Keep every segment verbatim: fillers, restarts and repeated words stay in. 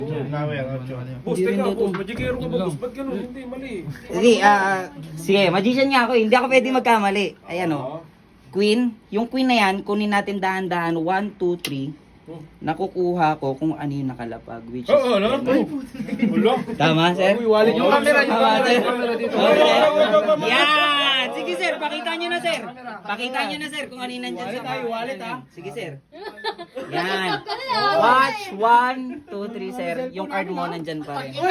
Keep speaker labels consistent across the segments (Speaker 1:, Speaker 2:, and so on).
Speaker 1: Boss, teka, boss. Magigero ka ba, boss? Ba't ganun? Hindi, mali.
Speaker 2: Hindi, ah, sige, magician nga ako. eh. Hindi ako pwede magkamali. Ayan o. Queen. Yung queen na yan, kunin natin dahan-dahan. one, two, three. Nakukuha ko kung ano yung nakalapag. Which is...
Speaker 1: Oo, ano? Wala.
Speaker 2: Tama, sir?
Speaker 1: Wallet yung camera, yung
Speaker 2: Tama,
Speaker 1: camera,
Speaker 2: sir?
Speaker 1: yung camera dito.
Speaker 2: Okay. Yan! Sige, sir. Pakita nyo na, sir. Pakita nyo na, sir, kung ano yung nandyan sa
Speaker 1: tayo, wallet, ha?
Speaker 2: Sige, sir. Yan. Watch. One, two, three, sir. Yung card mo nandyan pa rin.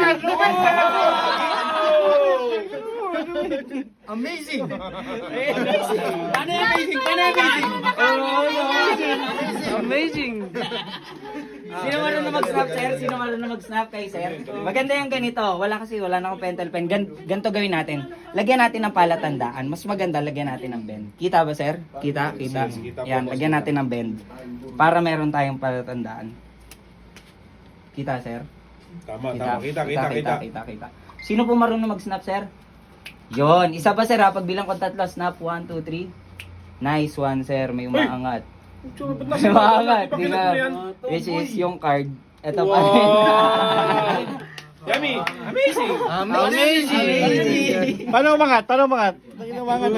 Speaker 3: Amazing!
Speaker 1: Ano yung amazing? Ano yung amazing?
Speaker 3: Amazing!
Speaker 2: Sino marunong mag-snap, sir? Sino marunong mag-snap kay sir? Maganda yung ganito. Wala kasi, wala na akong pentel pen. Gan ganito gawin natin. Lagyan natin ng palatandaan. Mas maganda, lagyan natin ng bend. Kita ba, sir? Kita? Kita? Yan, lagyan natin ng bend. Para meron tayong palatandaan. Kita, sir?
Speaker 1: Tama, tama. Kita, kita, kita.
Speaker 2: Kita, kita. Sino po marunong mag-snap, sir? Yon, isa pa, sir, ha? Pagbilang ko tatlo, snap, one, two, three. Nice one, sir. May umaangat. May umaangat. Di ba? Which is yung card. Ito pa rin.
Speaker 1: Yummy! Amazing!
Speaker 3: Amazing! Paano umangat? Paano umangat? Paano umangat?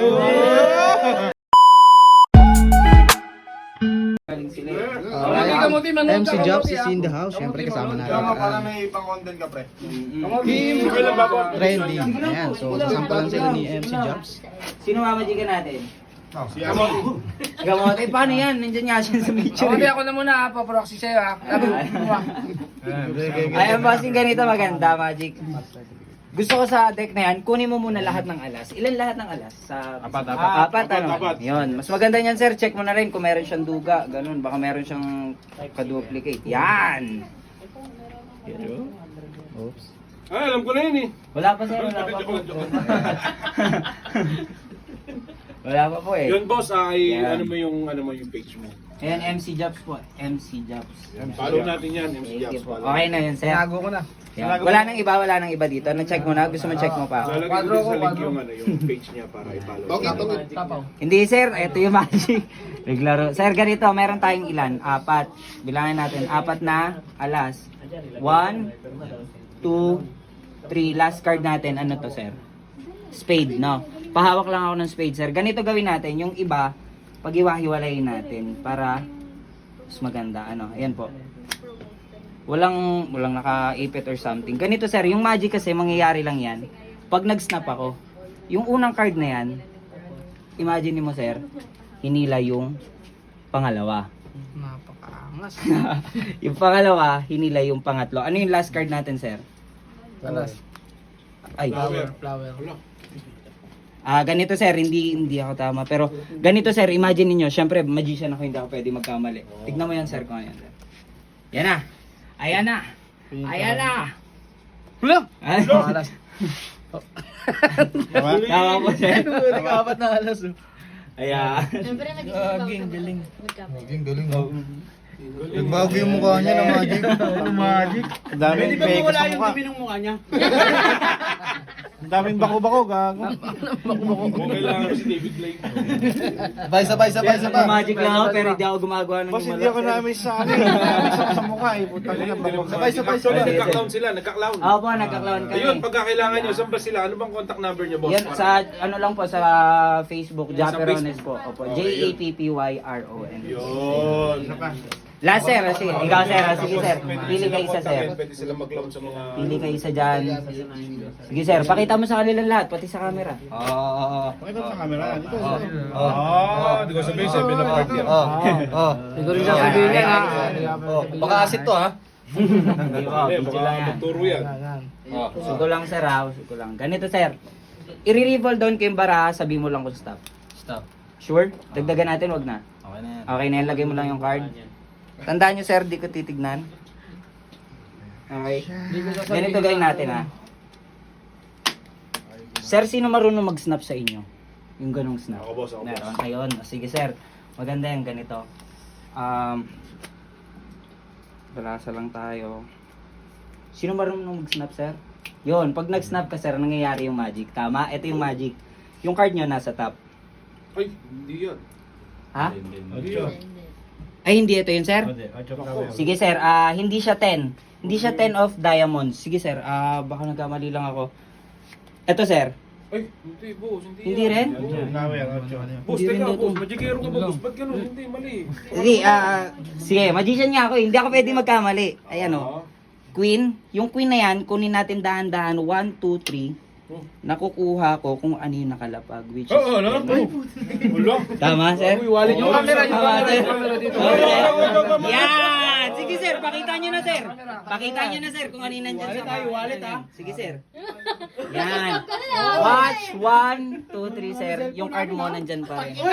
Speaker 3: M C Jobs is in the house. Siyempre kasama natin.
Speaker 1: Para may pang-content ka, pre.
Speaker 3: Team Trending. Ayan. So, sasampulan sila ni M C Jobs.
Speaker 2: Sino mamajikan natin?
Speaker 1: Si Amon.
Speaker 2: Gamot. Eh, paano yan? Nandiyan nga siya sa picture.
Speaker 4: Okay, ako na muna ha, paproxy sa'yo ha.
Speaker 2: Ayan, bossing, ganito maganda, Magic. Gusto ko sa deck na yan, kunin mo muna lahat ng alas. Ilan lahat ng alas? Sa
Speaker 1: Apat, apat.
Speaker 2: Ah, apat,
Speaker 1: Apat,
Speaker 2: ano?
Speaker 1: apat.
Speaker 2: Yun. Mas maganda niyan, sir. Check mo na rin kung meron siyang duga. Ganun. Baka meron siyang kaduplicate. Yan!
Speaker 3: Oops.
Speaker 1: Ah, alam ko na yun eh.
Speaker 2: Wala pa, sir. Wala pa po. Wala pa po eh.
Speaker 1: Yun, boss, ay
Speaker 2: Yan.
Speaker 1: ano mo yung ano mo yung page mo.
Speaker 2: Ayan, M C Jobs po. M C Jobs.
Speaker 1: Follow natin yan, M C
Speaker 2: Thank you
Speaker 1: Jobs.
Speaker 2: po.
Speaker 1: follow.
Speaker 2: Okay na yun, sir.
Speaker 4: Tinago ko na.
Speaker 2: Yan. Wala nang iba, wala nang iba dito. Na-check mo na? Gusto mo check mo pa?
Speaker 1: Lalagay ko din sa link yung ano, yung page niya para i-follow.
Speaker 4: Tapaw.
Speaker 2: Hindi, sir. Ito yung magic. Naglaro. Sir, ganito. Meron tayong ilan? Apat. Bilangin natin. Apat na alas. One, two, three. Last card natin. Ano to, sir? Spade, no? Pahawak lang ako ng spade, sir. Ganito gawin natin. Yung iba, pag-iwahiwalayin natin para mas maganda. Ano? Ayan po. Walang, walang naka-ipit or something. Ganito, sir. Yung magic kasi, mangyayari lang yan. Pag nag-snap ako, yung unang card na yan, imagine mo, sir, hinila yung pangalawa.
Speaker 4: Napakaangas.
Speaker 2: Yung pangalawa, hinila yung pangatlo. Ano yung last card natin, sir?
Speaker 4: Alas.
Speaker 2: Ay.
Speaker 1: Flower.
Speaker 4: Flower.
Speaker 2: Ah, ganito, sir, hindi hindi ako tama. Pero ganito, sir, imagine niyo, syempre magician ako, hindi ako pwede magkamali. Tignan mo yan, sir, kung ano yan, sir. Yan na. Ayan na. Ayan na.
Speaker 4: Wala!
Speaker 2: Ay.
Speaker 4: Alas.
Speaker 2: Tama po, sir.
Speaker 4: Nag-apat na alas.
Speaker 2: Ayan.
Speaker 5: Siyempre,
Speaker 4: Gaging, galing.
Speaker 3: Galing, galing. Nagbago yung mukha niya ng magic. Ng magic. Ang daming pekas sa mukha.
Speaker 4: ng mukha niya?
Speaker 3: Ang daming bako-bako, gago.
Speaker 1: Kung kailangan ko si David Blake.
Speaker 3: Sabay, sabay, sabay, sabay.
Speaker 2: Magic lang ako, pero hindi ako gumagawa ng
Speaker 3: Boss, hindi
Speaker 2: gumalak,
Speaker 3: ako
Speaker 2: sir.
Speaker 3: namin sa ano, namin sa sa mukha eh. Putang ina, bako. Sabay, sabay,
Speaker 1: So,
Speaker 3: sabay.
Speaker 1: nagka-clown sila, nagka-clown.
Speaker 2: Ako po, nagka-clown kami.
Speaker 1: Ayun, pagka kailangan nyo, saan ba sila? Ano bang contact number nyo, boss?
Speaker 2: Yan, sa ano lang po, sa Facebook,
Speaker 1: Yan, sa
Speaker 2: Japperones
Speaker 1: Facebook.
Speaker 2: po. Opo,
Speaker 1: Okay,
Speaker 2: J A P P Y R O N.
Speaker 1: Yun.
Speaker 2: Last, sir. Sige, ikaw, sir. Sige, sir. Pili ka isa, sir.
Speaker 1: Pwede sila mag-clown sa mga...
Speaker 2: Pili ka isa dyan. Sige, sir. Pakita mo sa kanila lahat, pati sa camera. Oo, oo, oo.
Speaker 3: Pakita mo sa camera. Dito.
Speaker 1: Ah, di ko sabihin, seven of hearts yan.
Speaker 3: Oh, oh.
Speaker 4: Hindi ko rin sasabihin yan ha.
Speaker 3: Oh, baka asit to ha.
Speaker 2: Hindi po,
Speaker 1: Hindi,
Speaker 2: video
Speaker 1: baka
Speaker 2: lang yan.
Speaker 1: magturo yan.
Speaker 3: Oh.
Speaker 2: Sugo lang, sir, ha. Sugo lang. Ganito, sir. I-revolve down ko yung bara, sabi mo lang kung stop.
Speaker 3: Stop.
Speaker 2: Sure? Dagdagan natin, wag na.
Speaker 3: Okay na yan.
Speaker 2: Okay na yan, lagay mo lang yung card. Tandaan nyo, sir, di ko titignan. Okay. Ganito gawin natin, ha. Sir, sino marunong mag-snap sa inyo? Yung ganong snap.
Speaker 1: Ako, boss, ako, boss.
Speaker 2: Meron kayon. Sige, sir. Maganda yan, ganito. Um, balasa lang tayo. Sino marunong mag-snap, sir? Yun, pag nag-snap ka, sir, nangyayari yung magic. Tama? Ito yung magic. Yung card nyo nasa top.
Speaker 1: Ay, hindi yan.
Speaker 2: Ha?
Speaker 1: Hindi yan.
Speaker 2: Ay, hindi ito yun, sir? Sige, sir. Ah, hindi siya ten. Hindi siya ten of diamonds. Sige, sir. Ah, baka nagkamali lang ako. Ito, sir.
Speaker 1: Ay, hindi, boss. Hindi,
Speaker 2: Hindi
Speaker 1: yan.
Speaker 2: rin?
Speaker 1: Boss,
Speaker 2: Hindi rin
Speaker 1: teka,
Speaker 2: daw to.
Speaker 1: boss. Magigero ka ba, boss? Ba't ganun? Hindi, mali.
Speaker 2: Hindi, ah, sige. Magician nga ako. eh. Hindi ako pwede magkamali. Ayan, oh.
Speaker 1: Ah.
Speaker 2: Queen. Yung queen na yan, kunin natin dahan-dahan. one, two, three. Nakukuha ko kung ano yung nakalapag. Which is...
Speaker 1: Oo, ano? Wala.
Speaker 2: Tama, sir?
Speaker 1: Uy, wallet
Speaker 4: Yung camera, yung
Speaker 2: Tama,
Speaker 4: camera,
Speaker 2: sir.
Speaker 4: yung camera dito.
Speaker 2: Okay. Yan! Sige, sir. Pakita nyo na, sir. Pakita nyo na, sir, kung ano yung nandyan sa wallet. Wallet, ha? Sige, sir. Yan. Watch. One, two, three, sir. Yung card mo nandyan pa rin.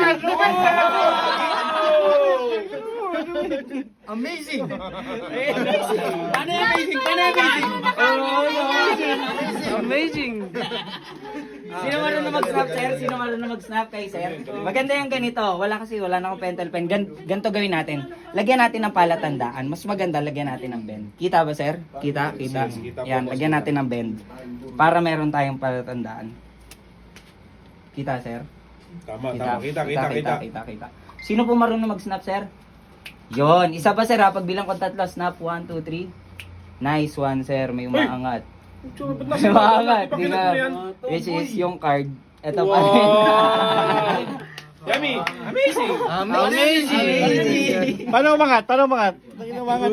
Speaker 3: Amazing!
Speaker 2: Paano yung amazing? Paano yung amazing?
Speaker 4: Amazing.
Speaker 2: Sino marunong mag-snap, sir? Sino marunong mag-snap kay sir? Maganda yung ganito. Wala kasi, wala na akong pentel pen. Gan ganito gawin natin. Lagyan natin ng palatandaan. Mas maganda, lagyan natin ng bend. Kita ba, sir? Kita? Kita?
Speaker 1: Sige, sige, kita po,
Speaker 2: Yan,
Speaker 1: boss.
Speaker 2: lagyan natin ng bend. Para meron tayong palatandaan. Kita, sir?
Speaker 1: Tama, tama. Kita, kita, kita.
Speaker 2: kita, kita. Sino po marunong mag-snap, sir? Yon, isa pa, sir, ha? Pagbilang ko tatlo, snap, one, two, three. Nice one, sir. May umaangat.
Speaker 1: Tsura, ba't
Speaker 2: May
Speaker 1: nasa
Speaker 2: umaangat. Di
Speaker 1: Pakita
Speaker 2: ba?
Speaker 1: mo yan.
Speaker 2: Which is yung card. Ito pa rin.
Speaker 1: Wow! Yummy! Amazing!
Speaker 2: Amazing!
Speaker 3: Paano umangat? Paano umangat? Paano umangat?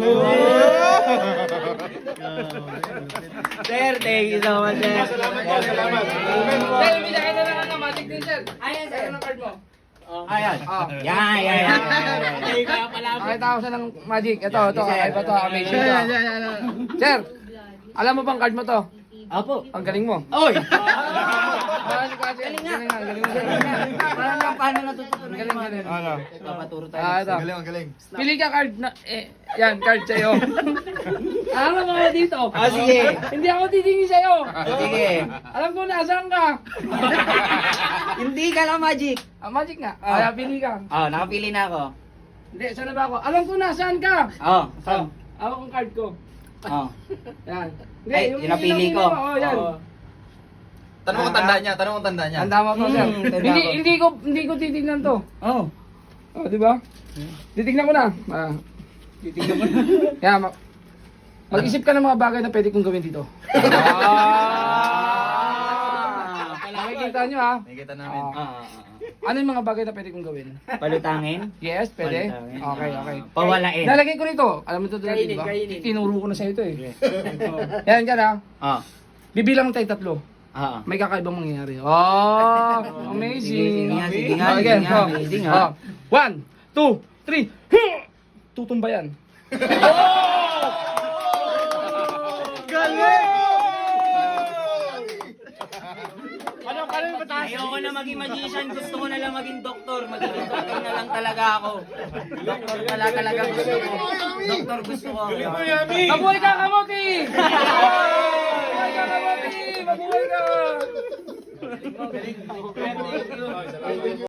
Speaker 2: Sir, thank you so much, sir.
Speaker 1: Salamat po, salamat.
Speaker 4: Sir, binigay na lang ng magic din, sir.
Speaker 2: Ayan, sir.
Speaker 4: Ano ang card mo?
Speaker 2: Ayan. Yan, yan, yan.
Speaker 4: Pakita ko siya ng magic. Ito, ito. Ay ba to? Amazing to. Sir, alam mo bang card mo to?
Speaker 2: Apo.
Speaker 4: Ang galing mo.
Speaker 2: Oy!
Speaker 4: Galing
Speaker 2: Galing nga.
Speaker 4: nga, galing mo.
Speaker 2: Paano na, paano natututunan
Speaker 4: Galing,
Speaker 2: yung mga
Speaker 4: galing.
Speaker 3: Ano?
Speaker 2: Papaturo tayo.
Speaker 4: Ah, ito.
Speaker 3: Ang galing, ang galing.
Speaker 4: Pili ka card na, eh, yan, card sa'yo. Alam mo ako dito.
Speaker 2: Ah, sige.
Speaker 4: Hindi ako titingin sa'yo.
Speaker 2: Sige.
Speaker 4: Alam ko nasaan ka.
Speaker 2: Hindi ka lang magic.
Speaker 4: Ah, magic nga.
Speaker 2: Ah.
Speaker 4: Kaya pili ka.
Speaker 2: Oh, nakapili na ako.
Speaker 4: Hindi, saan na ba ako? Alam ko nasaan ka.
Speaker 2: Oh,
Speaker 4: Oh,
Speaker 2: saan?
Speaker 4: hawak ang card ko.
Speaker 2: Oh.
Speaker 4: Yan.
Speaker 2: Ay, yung napili ko.
Speaker 4: Oo, yan.
Speaker 3: Tanong mo tanda niya, tanong mo tanda niya.
Speaker 4: Ang tama to, sir.
Speaker 2: Hmm, tanda
Speaker 4: Hindi,
Speaker 2: ko.
Speaker 4: hindi ko, hindi ko titignan to.
Speaker 2: Oh.
Speaker 4: Oh, di ba? Titignan ko na. Ah.
Speaker 2: Titignan mo na.
Speaker 4: Kaya, ma- mag-isip ka ng mga bagay na pwede kong gawin dito.
Speaker 2: Ah!
Speaker 4: Nakikita nyo ha.
Speaker 3: Nakikita namin.
Speaker 4: Ah.
Speaker 2: Ah, ah, ah.
Speaker 4: Ano yung mga bagay na pwede kong gawin?
Speaker 2: Palutangin?
Speaker 4: Yes, pwede.
Speaker 2: Palutangin.
Speaker 4: Okay, okay.
Speaker 2: Pawalain.
Speaker 4: Nalagay ko rito. Alam mo ito dito, di ba? Tinuro ko na sa'yo ito eh. Oh. Yan, yan ha.
Speaker 2: Ah.
Speaker 4: Bibilang tayo tatlo.
Speaker 2: Ah.
Speaker 4: May kakaibang mangyayari. Oh, amazing.
Speaker 2: Sige nga, sige nga,
Speaker 4: Oh,
Speaker 2: sige
Speaker 4: again,
Speaker 2: nga,
Speaker 4: oh.
Speaker 2: amazing, ha?
Speaker 4: Oh. One, two, three. Tutumba yan.
Speaker 2: Ayoko na maging magician, gusto ko na lang maging doktor. Magiging doktor na lang talaga ako. Doktor pala talaga gusto ko. Doktor gusto ko.
Speaker 1: Galing mo, Yummy!
Speaker 4: Mabuhay ka, kamote! Mabuhay ka, kamote! Mabuhay ka!